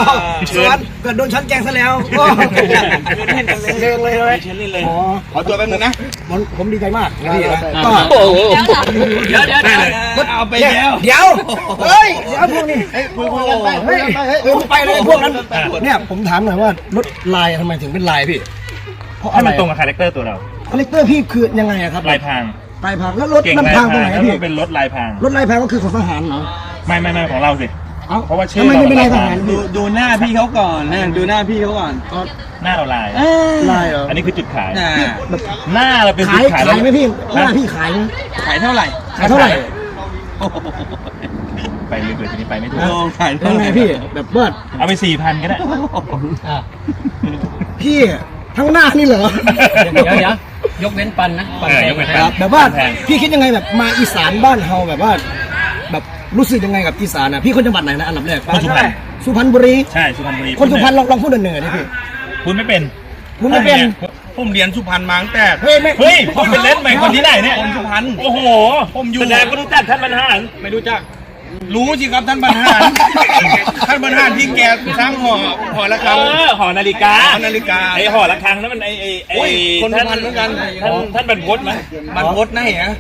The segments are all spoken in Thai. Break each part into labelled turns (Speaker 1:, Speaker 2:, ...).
Speaker 1: เกิดโดนช้อนแกงซะแล้วเชิงเลยเลยขอตัวแป๊บนึงนะผมดีใจมากนะพี่ก็เดี๋ยวเอาไปแล้วเดี๋ยวเฮ้ยเดี๋ยวพวกนี้คุยกันไปไปเลยพวกนั้นเนี่ยผมถามหน่อยว่ารถลายทำไมถึงเป็นลายพี่เพราะอะไร
Speaker 2: ให้มันตรงกับคาแรคเตอร์ตัวเรา
Speaker 1: คาแรคเตอร์พี่คือยังไงครับ
Speaker 2: ลายพราง
Speaker 1: แล้วรถมันพังตรงไหนพี่
Speaker 2: เป็นรถลายพราง
Speaker 1: รถลายพรางก็คือของทหารเหรอ
Speaker 2: ไม่ของเราสิเพราะว่าชื่อ
Speaker 1: เราไม่เป็นลายทหาร
Speaker 3: ดูหน้าพี่เขาก่อนนะดูหน้าพี่เขาก่อน
Speaker 2: หน้าเราลาย
Speaker 1: เหรอ
Speaker 2: อันนี้คือจุดขายหน้าเราเป็นจุดขาย
Speaker 1: ไหมพี่หน้าพี่ขาย
Speaker 3: เท่าไหร่
Speaker 2: ไปเรื่อยๆทีนี้ไปไม่ถูก
Speaker 1: ยังไงพี่แบบว่า
Speaker 2: เอาไป 4,000 ก็ได้
Speaker 1: พี่ทั้งหน้านี่เหรอ
Speaker 3: เดี๋ยวยกเว้นปันนะปันแพง
Speaker 1: แบบว่าพี่คิดยังไงแบบมาอีสานบ้านเฮาแบบว่าแบบรู้สึกยังไงกับอีสานนะพี่คนจังหวัดไหนนะอันดับแรกสุพรรณบุรี
Speaker 2: ใช่สุพรรณบุรี
Speaker 1: คนสุพรรณลองพูดเหนือๆดิพี่
Speaker 2: พูดไม่เป็น
Speaker 3: ผมเรียนสุพรรณมาตั้งแต่
Speaker 2: เฮ้ยพูดเป็นเล่นใหม่คนที่ไหนเนี่ย
Speaker 3: คนสุพรรณ
Speaker 2: โอ้โหผมอยู่แสดงก็รู้จักท่านบรรหาร
Speaker 3: ไม่รู้จักรู้สิครับท่านบรรหารที่แกสร้างหอระฆัง
Speaker 2: หอนาฬิกาไอหอระฆังนั้นมันไอ
Speaker 3: คนสุพรรณเหมือนกัน
Speaker 2: ท่านบรรพตไหม
Speaker 3: บรรพตนะเหรอ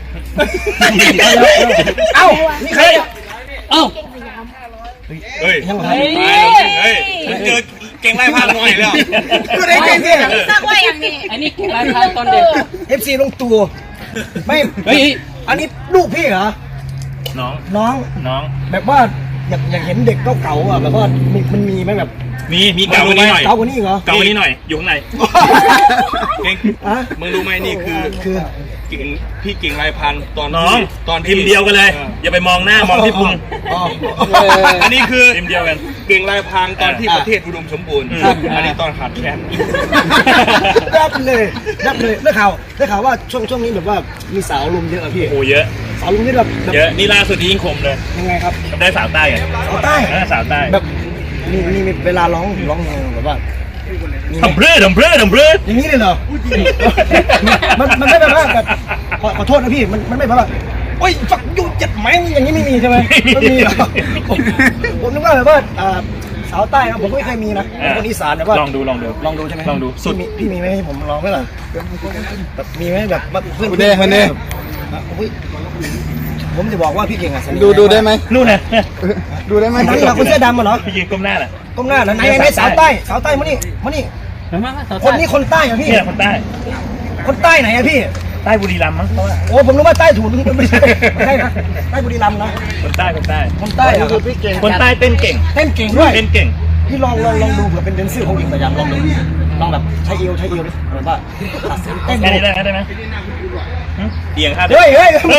Speaker 1: เอ้านี่ใคร
Speaker 3: เอ้า
Speaker 2: เฮ้ย
Speaker 3: เจอเก่งไล่พาหน่อยแล้ว
Speaker 1: ก็ได้เก่งสิ
Speaker 4: สร้างไว้อย่างนี้
Speaker 3: อันนี้เก่งไล่พาตอนเด็ก
Speaker 1: FC ลงตัวไม่อันนี้ลูกพี่เหรอน้องแบบว่าอยากเห็นเด็กเก่าๆอ่ะแบบว่ามันมีไหมแบบ
Speaker 2: มีเก่ากว่านี้หน่อย
Speaker 1: เก่ากว่านี้เหรอ
Speaker 2: เก่ากว่านี้หน่อยอยู่ข้างใน
Speaker 3: เก่งมึงรู้ไหมนี่คือพี่เก่งลายพันตอน
Speaker 2: ทีมเดียวกันเลยอย่าไปมองหน้ามองที่พุง
Speaker 3: อันนี้คือ
Speaker 2: ทีมเดียวกัน
Speaker 3: เก่งลายพันตอนที่ประเทศอุดมสมบูรณ์อันนี้ตอนขาดแคลน
Speaker 1: ดับเลยได้ข่าวว่าช่วงนี้แบบว่ามีสาวลุมเยอะพี่
Speaker 2: โอ้เยอะ
Speaker 1: สาวลุมนี่แบบ
Speaker 2: เยอะนี่ล่าสุดที่ยิงคมเลย
Speaker 1: ยังไงครับ
Speaker 2: ได้สาวใต้ไง
Speaker 1: สาวใต้แบบมีเวลาร้องแบบว่า
Speaker 2: ทำเพื่อ
Speaker 1: อย่างนี้เลยเหรอมันไม่แบบว่าแบบขอโทษนะพี่มันไม่แบบว่าโอ้ยฝักยุ่งจัดไหมอย่างนี้ไม่มีใช่ไหมไม่มีหรอผมนึกว่าแบบว่าสาวใต้นะผมก็ไม่เคยมีนะคนอีสานแบบว่า
Speaker 2: ลองดู
Speaker 1: ใช่ไหม
Speaker 2: ลองดู
Speaker 1: สุดพี่มีไหมให้ผมลองไหมล่ะแบบมีไหมแบบเพื่อนผมจะบอกว่าพี่เก่งอ่ะ
Speaker 3: ดูได้ไหม
Speaker 2: นู่นนะ
Speaker 1: ดูได้ไหมนั่นเหรอคนเสื้อดำเหรอ
Speaker 2: พี่เก่งก้มหน้าน่ะ
Speaker 1: ไหนสาวใต้มานี่คนนี้คนใต้เหรอพี่
Speaker 2: เนี่ยคนใต้
Speaker 1: ไหนอะพี่
Speaker 2: ใต้บุรีรัมย์มั้งเขาว่า
Speaker 1: โอ้ผมรู้ว่าใต้ถูกไม่ใช่นะใต้บุรีรัมย์นะ
Speaker 2: คนใต้
Speaker 1: คนใต้คือพี่เก่ง
Speaker 2: คนใต้เต้นเก่ง
Speaker 1: ด้วยพี่ลองดูเผื่อเป็นเดนเซอร์ของหญิงสยามลองแบบใช้เอวดิแบบว่า
Speaker 2: เต้นได้ไหมเอียงครับ
Speaker 1: เฮ้ย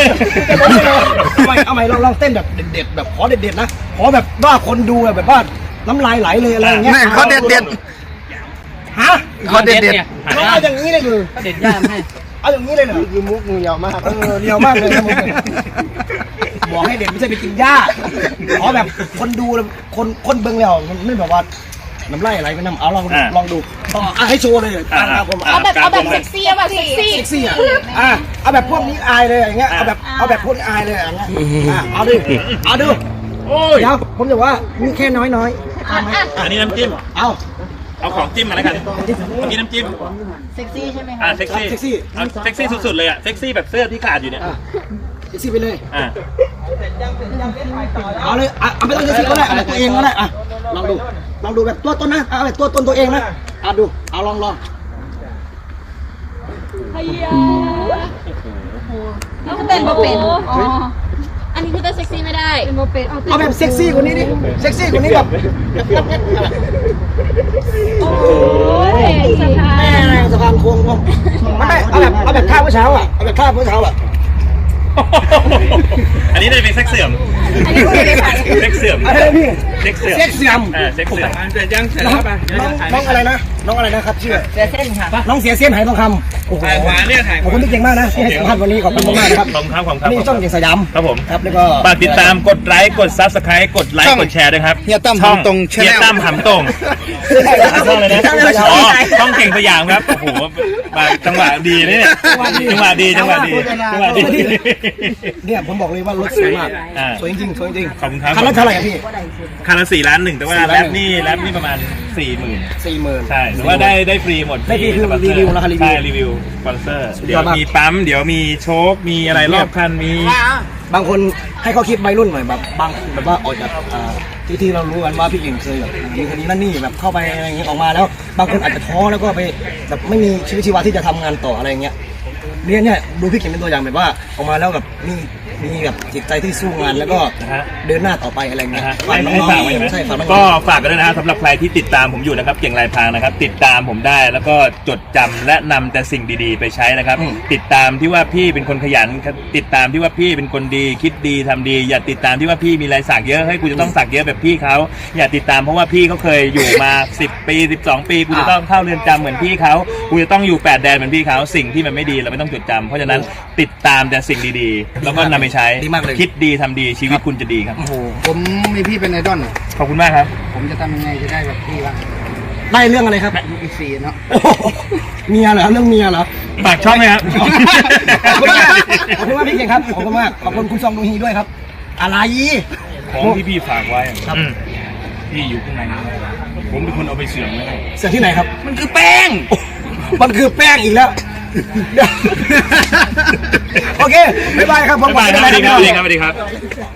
Speaker 1: เอาใหม่ลองเต้นแบบเด็ดแบบขอเด็ดนะขอแบบว่าคนดูแบบว่าน้ำลายไหลเลยอะไรอย่างเงี้ย
Speaker 3: ขอเด็ด
Speaker 1: ฮะ
Speaker 3: ขอเด็ด
Speaker 1: เอาอย่างนี้เลยคือ
Speaker 3: เด็ดย่ามให้
Speaker 1: เอาอย่างนี้เลยเหรอคือมุกมือยาวมากยาวมากเลยนะมุกบอกให้เด็ดไม่ใช่ไปกินหญ้าขอแบบคนดูคนเบิ่งแล้วมันไม่แบบว่าน้ำไหลไหลไปน้ำเอาลองดูต่อให้โชว์เลย
Speaker 4: เอาแบบเซ็กซี่แบบเซ็กซี่
Speaker 1: เอาแบบพวกนี้อายเลยอย่างเงี้ยเอาแบบพวกนี้อายเลยอย่างเงี้ยเอาดูเดี๋ยวผมจะว่ามีแค่น้อย
Speaker 2: อันนี้น้ำจิ้มเอาของจิ้มมาแล้วกันมีน้ำจิ้ม
Speaker 4: เซ็กซี่ใช่ไหมคะ
Speaker 2: เซ็กซี่สุดๆเลยเซ็กซี่แบบเสื้อที่ขาดอยู่เนี่ย
Speaker 1: เซ็กซี่ไปเลยเอาเลยเอาไปตัวเซ็กซี่ก็ได้เอาตัวเองก็ได้ลองดูแบบตัวตนนะเอาแบบตัวตนตัวเองนะดูเอาลอง
Speaker 4: พยาแล้วก็เต้นมาเป็นอันนี้คือเต้นเซ็กซี่ไม่ได้
Speaker 1: เอาแบบเซ็กซี่กว่านี้ดิเซ็กซี่กว่านี้แบบ
Speaker 4: โอ้ย
Speaker 1: สะพานโค้งไม่เอาแบบท่าเมื่อเช้าเอาแบบท่าเมื่อเช้า
Speaker 2: อันนี้ได้เป็นเซ็กเสื่อม
Speaker 1: อะไรพี่
Speaker 2: เซ็กเสื่อม
Speaker 1: แต่ยังน้องอะไรนะน้องอะไรนะครับชื่อเสียเส้นค่ะน้องเสียเส้นหายทองคำโอ้โห
Speaker 3: ถ่ายขวาเนี่ยถ่าย
Speaker 1: ขอบคุณที่เก่งมากนะที่ให้สัมภาษณ์วันนี้ขอบคุณมากนะครับ
Speaker 2: ขอบคุณครับขอบคุณครับ
Speaker 1: นี่ช่องเก่งสยาม
Speaker 2: ครับผม
Speaker 1: ครับแล้วก็
Speaker 2: ฝากติดตามกดไลค์กดซับสไครต์กดไลค์กดแชร์ด้วยครับ
Speaker 3: เฮียตั้ม
Speaker 2: ช่อง
Speaker 3: หำตรง Channel
Speaker 2: เฮียตั้มหำตรงช่องเลยนะอ๋อช่องเก่งสยามครับโอ้โหมาจังหวะดีนะเนี่ยจังหวะดี
Speaker 1: เนี่ยผมบอกเลยว่ารถสวยมาก
Speaker 2: อ่า
Speaker 1: สวยจริงๆสวยจริง
Speaker 2: ขอบคุณครับ
Speaker 1: คันละเท่าไหร่อะพี่
Speaker 2: คันละ4 ล้าน 1แต่ว่า
Speaker 1: 4 ล้าน
Speaker 2: แรปนี่ประมาณ 40,000
Speaker 1: 40,000
Speaker 2: ใช่แต่ว่าได้ฟรีหมด
Speaker 1: ได้ฟรีคือ
Speaker 2: สปอนเซอ
Speaker 1: รีวิวนะคะรีวิว
Speaker 2: ใช่รีวิวสปอนเซอร์
Speaker 1: สุดย
Speaker 2: เดี๋ย
Speaker 1: อ
Speaker 2: ว
Speaker 1: ดมาก
Speaker 2: มีปั๊มเดี๋ยวมีโชคมีอะไรรอบคันมี
Speaker 1: บางคนให้เขาคิดวัยรุ่นหน่อยแบบบางแบบว่าออกจากที่เรารู้กันว่าพี่เก่งเคยแบบมีคดีนั่นนี่แบบเข้าไปอะไรอย่างเงี้ยออกมาแล้ว บางคนอาจจะท้อแล้วก็ไปแบบไม่มีชีวิตชีวาที่จะทำงานต่ออะไรอย่างเงี้ยเนี่ยดูพี่เก่งเป็นตัวอย่างแบบว่าออกมาแล้วแบบมีแบบจิตใจที่สู้งานแล้วก็
Speaker 2: นะฮะ
Speaker 1: เดินหน้าต่อไปอะไรเงี้ย
Speaker 2: ให้
Speaker 1: น้
Speaker 2: ฝาก
Speaker 1: อง
Speaker 2: ไว้ไหม
Speaker 1: ๆใช่ฝากน้องๆ
Speaker 2: ก็ฝากกันด้วยนะฮะสำหรับใครที่ติดตามผมอยู่นะครับเก่งลายพรางนะครับติดตามผมได้แล้วก็จดจำและนำแต่สิ่งดีๆ ไปใช้นะครับ ติดตามที่ว่าพี่เป็นคนขยันครับติดตามที่ว่าพี่เป็นคนดีคิดดีทำดี อย่าติดตามที่ว่าพี่มีลายสักเยอะให้กูจะต้องสักเยอะแบบพี่เขาอย่าติดตามเพราะว่าพี่เขาเคยอยู่มา 10 ปี12 ปีกูจะต้องเข้าเรือนจำเหมือนพี่เขากูจะต้องอยู่8 แดนเหมือนพี่เขาสิ่งที่มันไม่ดีเราไม่ต้องจดจำเพราะฉะนั้นติดตามแต่สิ่งดีๆแล้วก็นำไปใช้
Speaker 1: ดีมากเลย
Speaker 2: คิดดีทำดีชีวิตคุณจะดีครับ
Speaker 1: โอ้โห
Speaker 3: ผมมีพี่เป็นไอดอล
Speaker 2: ขอบคุณมากครับ
Speaker 3: ผมจะทำยังไงจะได้แบบพี่บ้าง
Speaker 1: ได้เรื่องอะไรครับ
Speaker 3: ลูกอีก4เนาะ
Speaker 1: โอ้โหเมียเหรอเรื่องเมียเหรอ
Speaker 2: ฝากช่องไหมครับ
Speaker 1: ขอบคุณมากขอบคุณมากพี่เก่งครับขอบคุณมากขอบคุณคุณซองดูฮีด้วยครับอะไร
Speaker 2: ของที่พี่ฝากไว้ครับพี่อยู่ข้างในนะผมเป็นคนเอาไปเสื่อมไว้ให้
Speaker 1: เสียที่ไหนครับ
Speaker 3: มันคือแป้ง
Speaker 1: มันคือแป้งอีกแล้ว โอเคบ๊ายบายครับผม
Speaker 2: บ๊ายบายครับสวัสดีครับสวัสดีครับ